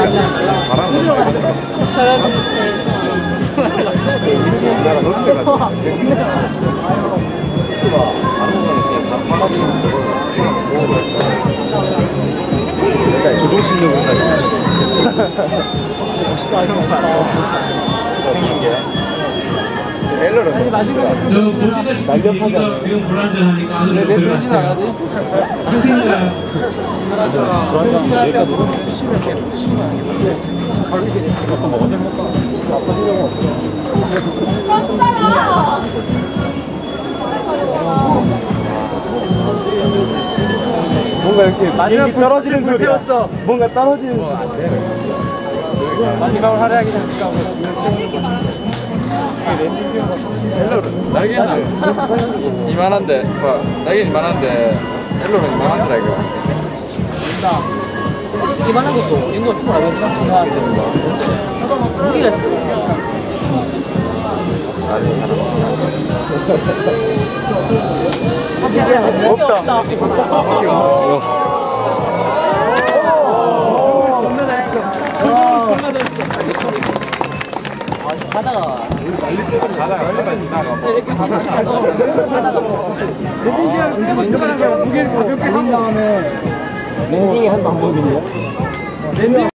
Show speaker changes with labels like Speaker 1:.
Speaker 1: 저런
Speaker 2: 조종실로 생긴 게요.
Speaker 3: 저 보시다시피 이거 매우 불안전하니까 안으로 들어가세요. 선생님이랑
Speaker 2: 뭔가 이렇게 비행기 떨어지는 소리야. 뭔가 떨어지는 소리. 마지막으로 화려하게 잠깐
Speaker 4: 날개는 이만한데, 날개는 이만한데 헬로는 이만하더라 이거.
Speaker 1: 이만한 것도 인구가 충분하겠다 생각하는데 무기가 있어.
Speaker 2: 없다.
Speaker 1: 바다가
Speaker 2: 무게를 가볍게 한 다음에 랜딩이 한 방법인데.